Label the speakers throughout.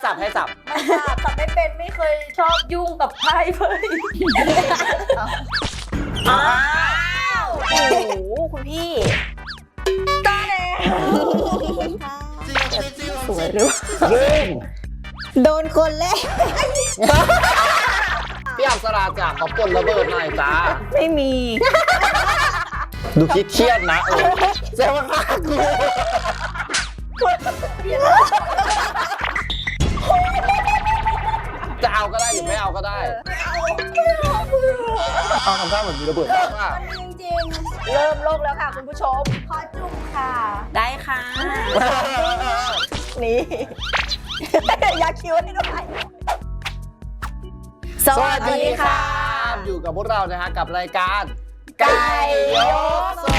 Speaker 1: สับ
Speaker 2: ไม่สับไม่เป็นไม่เคยชอบยุ่งกับไพ่เลยอ้าวโอ้โหคุณพี่ตาแดงสวยหรือ
Speaker 1: เริ่ม
Speaker 3: โดนคนแรก
Speaker 1: พี่อับสราจากขอปนระเบิดหน่อยจ้า
Speaker 3: ไม่มี
Speaker 1: ดูคิดเครียดนะแซวว่าฆ่ากูจะเอาก็ได้หรือไม่เอาก็ได้เอาทำท่าเหมือนมีระเบิดว่า
Speaker 2: จริงๆเริ่มโลกแล้วค่ะคุณผู้ชมขอจุ่มค่ะได้ค่ะนี่อยากคิวให้ด้วยสวัสดีค่ะ
Speaker 1: อยู่กับพวกเรานะฮะกับรายการไก่ยกโซ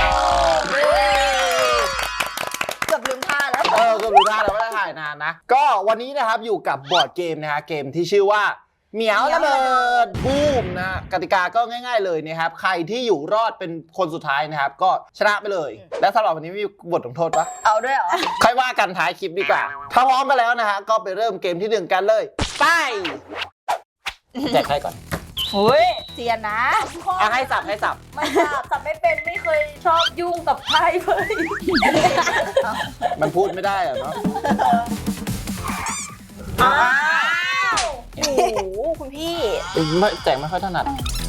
Speaker 2: เกือบลืมท่าแล้ว
Speaker 1: เกือบรู้ได้แล้วไม่ได้ถ่ายนานนะก็วันนี้นะครับอยู่กับบอร์ดเกมนะฮะเกมที่ชื่อว่าเหมียวระเบิดบูมนะกติกาก็ง่ายๆเลยนะครับใครที่อยู่รอดเป็นคนสุดท้ายนะครับก็ชนะไปเลยและสำหรับวันนี้มีบทลงโทษปะ
Speaker 2: เอาด้วยเหรอ
Speaker 1: ค่อยว่ากันท้ายคลิปดีกว่าถ้าพร้อมกันแล้วนะฮะก็ไปเริ่มเกมที่1กันเลยไปแจกให้ก่อน
Speaker 2: เฮ้ยเสียนะ
Speaker 1: ให้สับไม่สับ
Speaker 2: ไม่เป็นไม่เคยชอบยุ่งกับไพ่เลย
Speaker 1: มันพูดไม่ได้อะเนาะ
Speaker 2: อ้าวโอ้โหคุณพี่
Speaker 1: ไม่แจกไม่ค่อยถนัด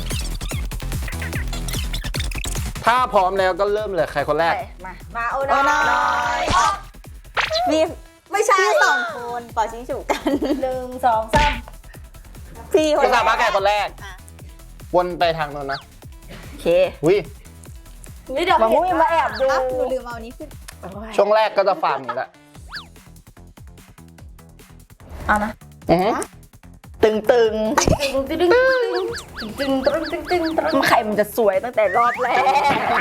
Speaker 1: ถ้าพร้อมแล้วก็เริ่มเลยใครคนแรก
Speaker 2: มาโอ้น้อย
Speaker 3: มี
Speaker 2: ไม่ใช่
Speaker 3: สองคนเป่าชิงฉุกกัน
Speaker 2: 1 2 3
Speaker 3: พี่คนแรก
Speaker 1: มาแก่คนแรกวนไปทางโน้นนะ
Speaker 3: โอเค
Speaker 1: วิ
Speaker 2: นี่เดี๋ยวมาแอบดู
Speaker 3: หนูลืมเอานี้ขึ้น
Speaker 1: ช่วงแรกก็จะฟังนี่แหละ
Speaker 2: เอานะ
Speaker 3: ตึง
Speaker 2: ใครมันจะสวยตั้งแต่รอบแรก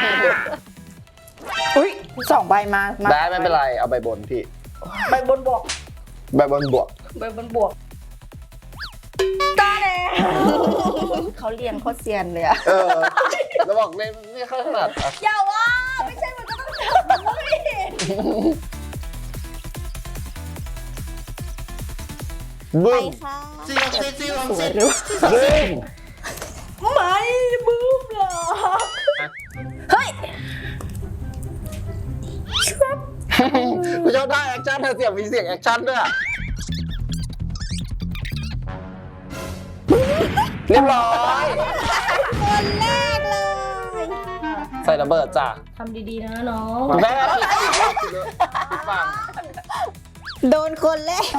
Speaker 3: อุ้ย2 ใบมา
Speaker 1: ได้ไม่เป็นไรเอาใบบนพี่
Speaker 2: ใบบนบวก
Speaker 1: ใบบนบวก
Speaker 2: ตาแดง
Speaker 3: เขาเรียนโคตรเซียนเลยอะ
Speaker 1: แล้วบอกเลยไม่ค่อยถนัด
Speaker 2: อย่าว่าไม่ใช่มันก็ต้องทำด้วย
Speaker 1: บึ้ม
Speaker 3: สวยหรือ
Speaker 1: บึ้ม
Speaker 2: ไม่บึ้มหรอเฮ้ย
Speaker 1: กูชอบได้แอคชั่นเสียงมีเสียงแอคชั่นด้วยเรียบร้อย
Speaker 3: คนแรกเลย
Speaker 1: ใส่ระเบิดจ้ะ
Speaker 2: ทำดีๆนะน้อง
Speaker 1: แม่ผิดฟัง
Speaker 3: โดนคนแรก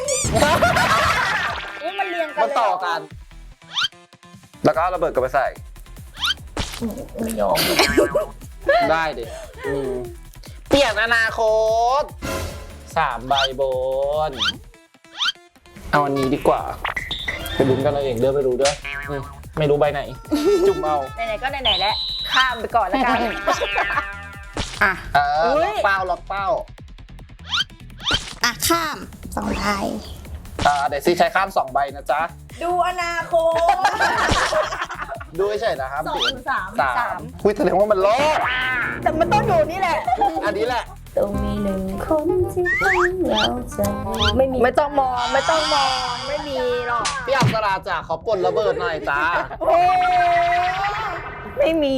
Speaker 2: มันเรียงกัน
Speaker 1: มันต่อกันแล้วก็ระเบิดก็ไปใส่
Speaker 2: ไม่ยอม
Speaker 1: ได้ดิเปลี่ยนอนาคต3 ใบบนเอาอันนี้ดีกว่าไปลุ้นกันเราเองเด้อไปรู้เด้อไม่รู้ใบไหนจุ่มเอา
Speaker 2: ไหนๆก็ไหนๆแล้วข้ามไปก่อนแล้วกัน
Speaker 1: ล็อกเป้า
Speaker 3: ข้าม2 ใบ
Speaker 1: เดี๋ยวซีใช้ข้าม2 ใบนะจ๊ะ
Speaker 2: ดูอนาคต
Speaker 1: ดูเฉยๆนะครับ
Speaker 2: 2 3
Speaker 1: คุยแสดงว่ามันล้อ
Speaker 2: แต่มันต้องอยู่นี่แหละ
Speaker 1: อันนี้แหละ
Speaker 2: ต้องมี1 คนที่เราจะไม่ต้องมองไม่มีหรอก
Speaker 1: พี่อับสราจากขอปนระเบิดหน่อยจ้า
Speaker 3: ไม่มี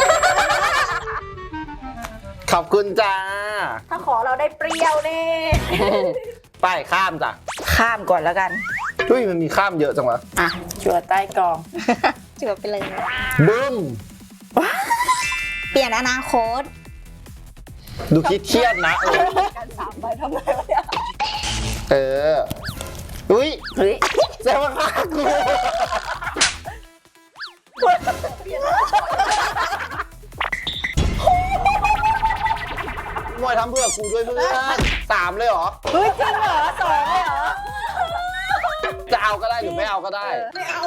Speaker 1: ขอบคุณจ้า
Speaker 2: ถ้าขอเราได้เปรี้ยวแน่
Speaker 1: ไปข้ามจ้ะ
Speaker 3: ข้ามก่อนแล้วกัน
Speaker 1: มันมีข้ามเยอะจังวะ
Speaker 3: จั่วใต้กองจั่วไปเลย
Speaker 1: บึ้ม
Speaker 3: เปลี่ยนอนาคต
Speaker 1: ดูคิดเครียดนะ
Speaker 2: กัน3 ใบทำไมวะเนี่ย
Speaker 1: แซวว่าฆ่ากูมวยทำเพื่อกูด้วยเพื่อน3เลยเหรอ
Speaker 2: จริงเหรอ2เลยเหรอ
Speaker 1: จะเอาก็ได้หรือไม่เอาก็ได้
Speaker 2: ไม่เอา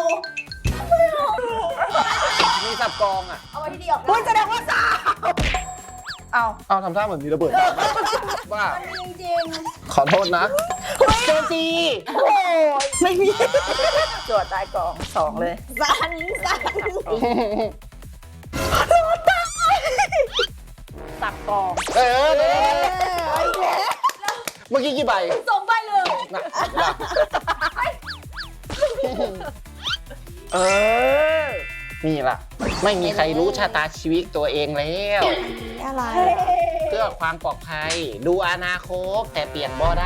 Speaker 1: มีสับกอง
Speaker 2: เอาไว้ที่ดีออกแสดงว่า
Speaker 1: เอาทำท่าเหมือนมีระเบิดว่า
Speaker 2: จริง
Speaker 1: ขอโทษนะ
Speaker 2: เจจี
Speaker 3: ไม่มี
Speaker 2: จั่วใต้กอง2เลย
Speaker 3: สั่น
Speaker 2: สับกอง
Speaker 1: เมื่อกี้กี่ใบ
Speaker 2: 2 ใบเลย
Speaker 3: เออ
Speaker 1: นี่ล่ะ ไม่มีใครรู้ชะตาชีวิตตัวเองแล้ว
Speaker 3: อะไร
Speaker 1: เพื่อความปลอดภัย ดูอนาคตแต่เปลี่ยนบ่ได้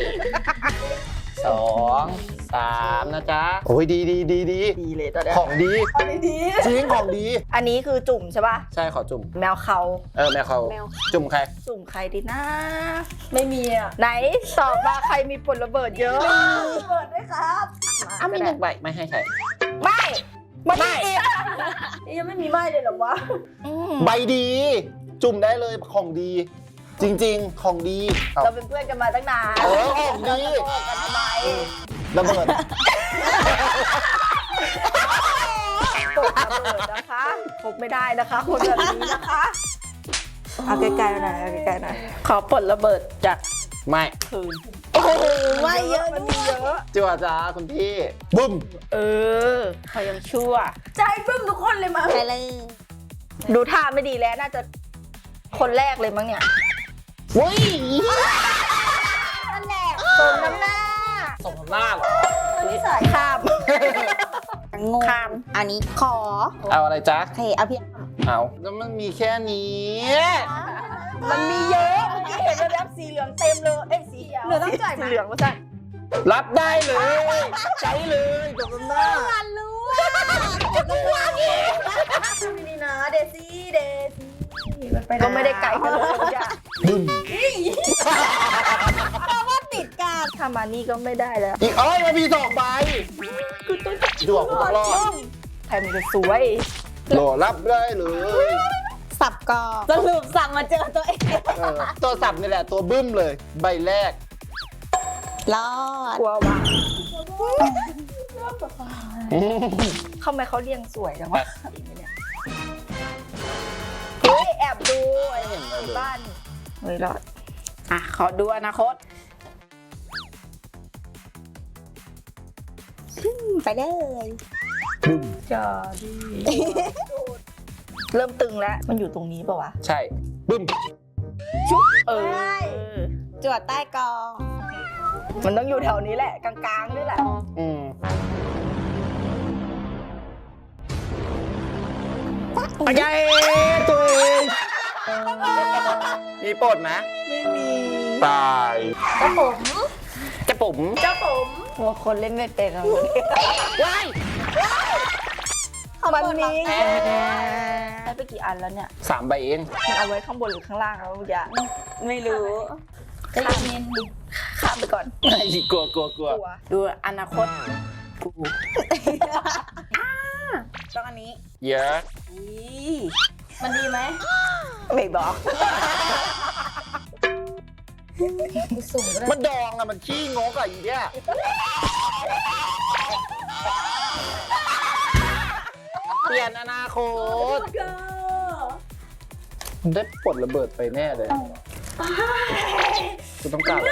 Speaker 1: 2 3 นะจ๊ะ โอ้ยดีดีดีดี
Speaker 3: ดีเลยตอนเนี้ย
Speaker 1: ของดี จริงของดี
Speaker 3: อันนี้คือจุ่มใช่ป่ะ
Speaker 1: ใช่ขอจุ่ม
Speaker 3: แมวเขา
Speaker 1: แม่เขาจุ่มใคร
Speaker 3: จุ่มใครดีนะ
Speaker 2: ไม่มีอ่ะ
Speaker 3: ไหนตอบมาใครมีผลระเบิดเยอะ
Speaker 2: เปิดด้วยครับ
Speaker 1: อ้าวมีหนึ่งใบไม่ให้ใคร
Speaker 3: ไม่ไม่
Speaker 2: ยังไม่มีไม้เลยเหรอวะ
Speaker 1: ใบดี จุ่มได้เลยของดี จริง ๆ ของดีเอา
Speaker 2: เราเป็นเพื่อนกันมาตั้งนาน
Speaker 1: ของดี
Speaker 2: โกหกกันทำไม
Speaker 1: ระเบิด
Speaker 3: ตกระเบิดนะคะพบไม่ได้นะคะคนแบบนี้นะคะเอาใกล้ๆหน่อยเอาใกล้ๆหน่อยขอผลระเบิดจาก
Speaker 1: ไม่
Speaker 3: คืน
Speaker 2: โอ้โหไม่เยอะ
Speaker 3: มัน
Speaker 2: ด้
Speaker 3: มี
Speaker 2: วย
Speaker 3: เยอะ
Speaker 1: จิ๋วจ้าคุณพี่บึ้ม
Speaker 3: เออเขายังชั่ว
Speaker 2: ใจปึ้มทุกคนเลยมั้ง
Speaker 3: ไปเลยดูท่าไม่ดีแล้วน่าจะคนแรกเลยมั้งเนี่ย
Speaker 1: วุ้ย
Speaker 2: นั่นแหละ
Speaker 3: สมน้ำหน้า
Speaker 1: สมหน้าเหรอ
Speaker 2: นิสัย
Speaker 3: ข้าม
Speaker 4: งง
Speaker 3: ข้าม
Speaker 4: อันนี้ขอ
Speaker 1: เอาอะไรจ๊ะ
Speaker 4: โอเคเอาพี่
Speaker 1: เอาแล้วมันมีแค่นี้
Speaker 3: มันมีเยอะเมื่อกี้เห็นแล้วแบบสีเหลืองเต็มเลยเอ้ยสี
Speaker 2: เหลือต้องจ่ายไหม
Speaker 3: สีเหลืองว่าสั่น
Speaker 1: รับได้เลย ใช้เลยจบกันหน้า
Speaker 2: นี่นะเดซี่เดซี่มันไป
Speaker 3: ก็ไม่ได้ไกลกันเลยจ้ะ
Speaker 1: บึ้ม
Speaker 4: ติดกัน
Speaker 3: ถ้ามานี่ก็ไม่ได้แล้ว
Speaker 1: อีกอ้อยมันมี2 ใบดวงกูต้องรอด
Speaker 3: ใครมันจะสวย
Speaker 1: โหลรับได้เลย
Speaker 4: สับกอ
Speaker 2: สรุปสั่งมาเจอตัวเอง
Speaker 1: ตัวสับนี่แหละตัวบึ้มเลย ใบแรก
Speaker 4: รอด
Speaker 3: กลัวว่ะทำไมเขาเรียงสวยจังวะเฮ้ยแอบดูไอ้บ้านเฮ้ยรอดอ่ะขอดูอนาคต
Speaker 4: ไปเลย
Speaker 3: จะดีเริ่มตึงแล้ว มันอยู่ตรงนี้ป่าวะ
Speaker 1: ใช่ บึ้ม
Speaker 3: เออ
Speaker 4: จวดใต้กอง
Speaker 3: มันต้องอยู่แถวนี้แหละ กลางๆนี่แหละ
Speaker 1: อืม ใหญ่ตัวเองมีปลดไหม
Speaker 3: ไม่มี
Speaker 1: ตาย
Speaker 2: กระผม
Speaker 1: จะผม
Speaker 2: เจ้าผม
Speaker 3: หัวคนเล่นไม่เป็นอะ
Speaker 1: ว้าย
Speaker 3: มันมี
Speaker 1: แพ้
Speaker 3: ได้ไปกี่อันแล้วเนี่ย
Speaker 1: 3 ใบเอง
Speaker 3: มันเอาไว้ข้างบนหรือข้างล่างแล้วอย่าไม่รู้
Speaker 2: ใจเย็นดิ
Speaker 3: ข้ามไปก่อน
Speaker 1: ไอ้กลัวกลัวกลัว
Speaker 3: กลัวดูอนาคตกู
Speaker 4: ต้องอันนี้
Speaker 1: เยอะ
Speaker 2: มันดีไหม
Speaker 3: ไม่บอก
Speaker 2: สุ่มก็ได้
Speaker 1: มันดองอะมันขี้งกอะอีเนี่ยเปลี่ยนอนาคตมันได้ปลดระเบิดไปแน่เลยกูต้องการอะไร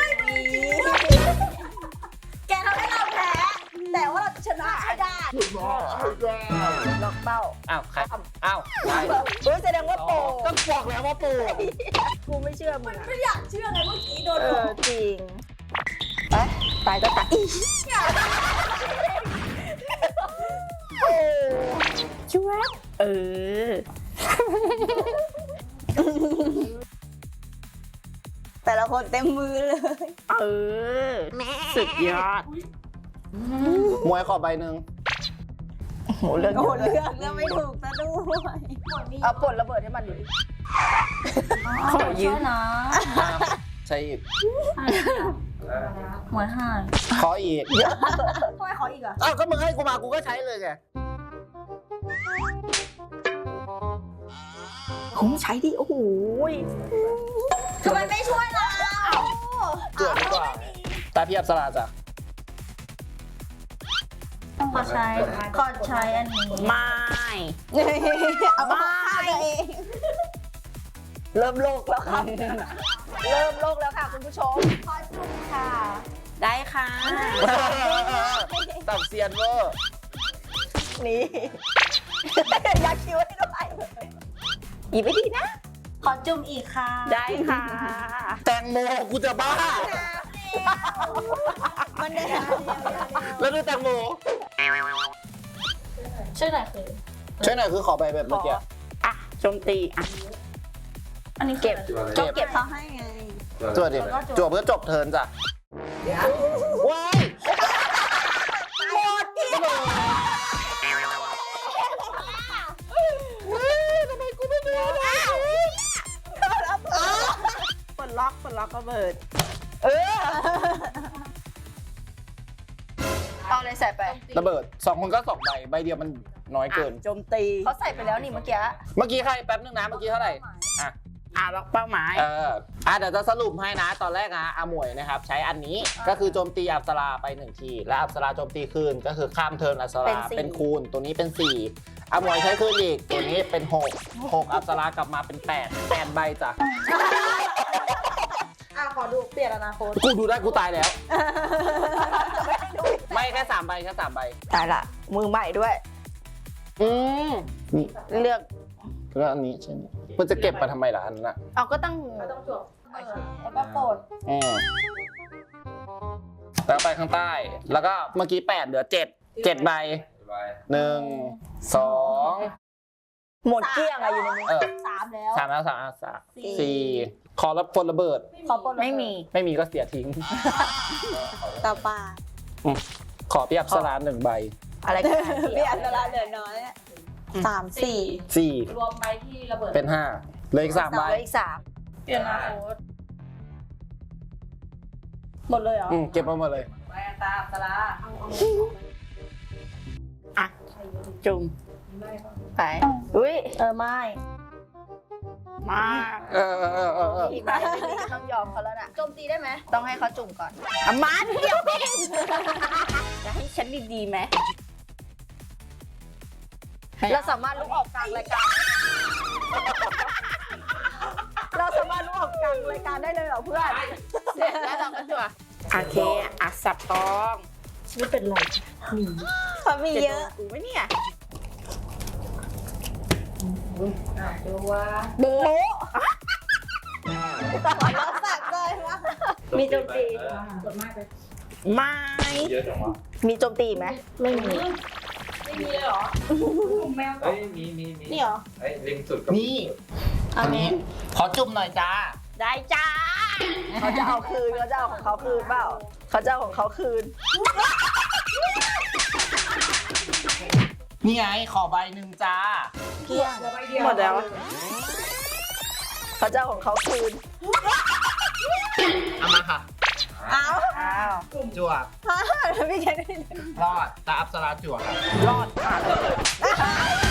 Speaker 2: แกทำให้เราแพ้ แต่ว่าเราชนะให้ได้
Speaker 3: ล็อกเป้า
Speaker 1: อ้าวใครอ้าวใคร
Speaker 3: เฮ้ยแสดงว่าโปร
Speaker 1: ก็บอกแล้วว่าปู
Speaker 3: กูไม่เชื่อมึงอะ
Speaker 2: ไม่อยากเชื่อไงเมื่อกี้โดน
Speaker 3: เออจริงไปตายก็ตายอีช่วยเออ
Speaker 4: แต่ละคนเต็มมือเลย
Speaker 3: เออสุดยอด
Speaker 1: มวยขอใบหนึ่ง
Speaker 3: โหเรื่อง
Speaker 4: โอ้
Speaker 3: เยอะ
Speaker 4: เลือกก็ไม่ถูกซะด้วย
Speaker 3: เอาปลดระเบิดให้มันดูดิขอยืม
Speaker 2: นะ
Speaker 1: อ้าวใช่อีก
Speaker 2: หัวหาย
Speaker 1: ขออีก
Speaker 2: ทำไมขออีกอ่ะ
Speaker 1: อ้าวก็มึงให้กูมากูก็ใช้เลยไง
Speaker 3: ผมใช้ดิโอ้โห
Speaker 2: ทำไมไม่ช่วยเรา
Speaker 1: เกือบดีกว่าตาพี่อับสราจ้ะ
Speaker 2: ขอใช้อันนี้
Speaker 3: ไม่
Speaker 4: เอามาฆ่าตัวเอง
Speaker 3: เริ่มโลกแล้วครับ เริ่มโลกแล้วค่ะคุณผู้ชม
Speaker 2: ขอจุ่มค่ะ
Speaker 3: ได้ค่ะ
Speaker 1: ตับเซียนเวอร์
Speaker 3: นี่ ยักคิ้วให้ด้วยหยิบไปดีนะ
Speaker 2: ขอจุ่มอีกค่ะ
Speaker 3: ได้ค่ะ
Speaker 1: แตงโมกูจะบ้า
Speaker 4: มันได้
Speaker 1: แล้วดูแตงโม
Speaker 2: ช่วยหน่อยคือ
Speaker 1: ช่วยหน่อยคือขอไปแบบเมื่อกี้
Speaker 3: อ่ะโจมตีอ่ะ
Speaker 2: อันนี้
Speaker 3: เก็บ
Speaker 4: ก็เก็บเขาให้ไง
Speaker 1: จวดดิจวดเพื่อจบเทิร์นจ้ะว้ายหมดที่ทำไมกูไม่ได้
Speaker 3: ปลดล็อกระเบิดเอาอะไรใส่ไประ
Speaker 1: เบิด2 คนก็2 ใบใบเดียวมันน้อยเกิน
Speaker 3: โจมตี
Speaker 2: เขาใส่ไปแล้วนี่เมื่อกี้
Speaker 1: เมื่อกี้ใครแป๊บนึงนะเมื่อกี้เท่าไหร่อ่ะ
Speaker 3: ล็อกเป้าหมาย
Speaker 1: เดี๋ยวจะสรุปให้นะตอนแรกนะอาหมวยนะครับใช้อันนี้ก็คือโจมตีอัปสราไป1 ทีและอัปสราโจมตีคืนก็คือข้ามเทิร์นอัปสราเป็นคูณตัวนี้เป็น4อาหมวยใช้คืนอีกตัวนี้เป็น6อัปสรากลับมาเป็น8ใบจ้ะ
Speaker 2: ขอดูเปลี่ยนอนาคต
Speaker 1: กูดูได้กูตายแล้วไม่แค่3 ใบแค่3 ใบ
Speaker 3: ตายละมือใหม่ด้วย
Speaker 1: นี่
Speaker 3: เลือก
Speaker 1: แล้วอันนี้ใช่ไหมมันจะเก็บมาทำไมล่ะอันนั้นอ่ะ
Speaker 3: เอาก็ต้อง
Speaker 2: ต้องจบแล้วก็โปรด
Speaker 1: แล้วไปข้างใต้ แล้วก็เมื่อกี้8เหลือ7ใบ1 2
Speaker 3: หมดเกลี้ยงอะอยู่ในมือ
Speaker 2: 3แล้ว
Speaker 1: 3แล้ว4ขอรับพลระเบิด
Speaker 2: ขอโปรด
Speaker 3: ไม่มี
Speaker 1: ไม่มีก็เสียทิ้ง
Speaker 4: ต่อไป
Speaker 1: ขอพี่อับสรา1 ใบ
Speaker 3: อะไรกัน
Speaker 4: พี่อันตรายเหลือน้อยอะ3 4
Speaker 1: 4
Speaker 2: รวมใบที่ระเบิด
Speaker 1: เป็น5เหลืออีก3 ใบ
Speaker 3: เหลืออีก3
Speaker 2: เปลี่ยนอนาคตหมดเลยเหรอ
Speaker 1: เก็บมาหมดเลย
Speaker 2: ใบตาสลา
Speaker 3: อ่ะจุ่มไปอุ้ย
Speaker 2: ไม่
Speaker 3: มา อีกใบหนึงต้องยอมเขาแล้วน่ะ
Speaker 2: โจมตีได้ไหม
Speaker 3: ต้องให้เขาจุ่มก่อนอ่ะมาเดียวเองจะให้ฉันดีๆไหมเราสามารถลุกออกกลางรายการ เราสามารถลุกออกกลางรายการได้เลยเหรอเพื่อนเสร็จแล้วเราก็จั่วโอเคอ่ะสับตอง
Speaker 2: ชีวิตเป็นไร
Speaker 4: เขามีเยอะ
Speaker 3: กูไหมเนี่ย
Speaker 2: ดูว่า
Speaker 3: โบ๊ะ
Speaker 4: เราสักเลยว่า
Speaker 3: มีโจมตี
Speaker 2: กดมากเลย
Speaker 3: ไม่
Speaker 5: เยอะจังวะ
Speaker 3: มีโจมตีไหมไม่มี
Speaker 2: ไม่มีเลยเหรอแมว
Speaker 5: เฮ้ยมี
Speaker 2: นี่เหรอ
Speaker 5: เฮ้ยลิงสุดกับ
Speaker 1: นี่อันนี้ขอจุ่มหน่อยจ้า
Speaker 3: ได้จ้าเขาจะเอาคืนเขาจะเอาของเขาคืนเปล่าเขาจะเอาของเขาคืน
Speaker 1: นี่ไงขอใบ1จ้า
Speaker 3: เกลี้ยงหมดแล้วเขาจะเอาของเขาคืน
Speaker 1: เอามาค่ะ
Speaker 4: อ้าว
Speaker 3: อ้าว
Speaker 1: จวบ
Speaker 4: พี่แค่นี้
Speaker 1: รอดตาอับสราจวบครับ
Speaker 3: รอดผ่านเลย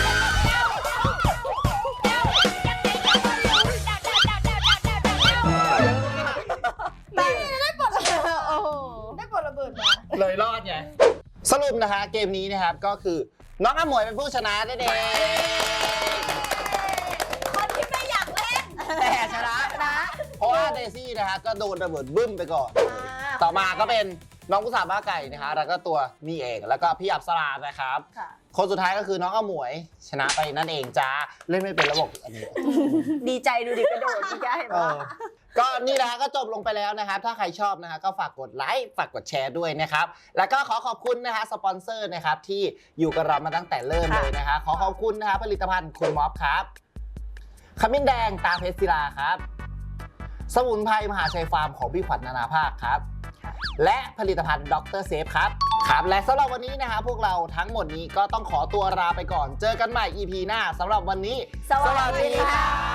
Speaker 3: ได้ปลดระเบิดโอ้โหได้ปลดระเบิดมา
Speaker 1: เลยรอดไงสรุปนะคะเกมนี้นะครับก็คือน้องอาหมวยเป็นผู้ชนะได้เด้
Speaker 2: คนที่ไม่อยากเล่น
Speaker 3: แต่ชนะนะ
Speaker 1: เพราะว่าเดซี่นะฮะก็โดนระเบิดบึ้มไปก่อน ต่อมาก็เป็นน้องกุศลบ้าไก่นะคะแล้วก็ตัวนี่เองแล้วก็พี่อับสรานะครับ
Speaker 2: ค่ะ
Speaker 1: คนสุดท้ายก็คือน้องอาหมวยชนะไปนั่นเองจ้าเล่นไม่เป็นระบบอันนี้
Speaker 3: ดีใจดูดิกระโดดที่แกเห็น
Speaker 1: เอ
Speaker 3: ปะ
Speaker 1: อก็นี่นะก็จบลงไปแล้วนะครับ ถ้าใครชอบนะฮะก็ฝากกดไลค์ฝากกดแชร์ด้วยนะครับ แล้วก็ขอขอบคุณนะฮะสปอนเซอร์นะครับที่อยู่กับเรามาตั้งแต่เริ่มเลยนะฮะขอขอบคุณนะฮะผลิตภัณฑ์คุณม็อบครับขมิ้นแดงตาเพชรศิลาครับสมุนไพรมหาชัยฟาร์มของพี่ขวัญนานาภาคครับ และผลิตภัณฑ์ดรเซฟครับครับและสำหรับวันนี้นะฮะพวกเราทั้งหมดนี้ก็ต้องขอตัวลาไปก่อนเจอกันใหม่ EP หน้าสำหรับวันนี้
Speaker 3: สวัสดีค่ะ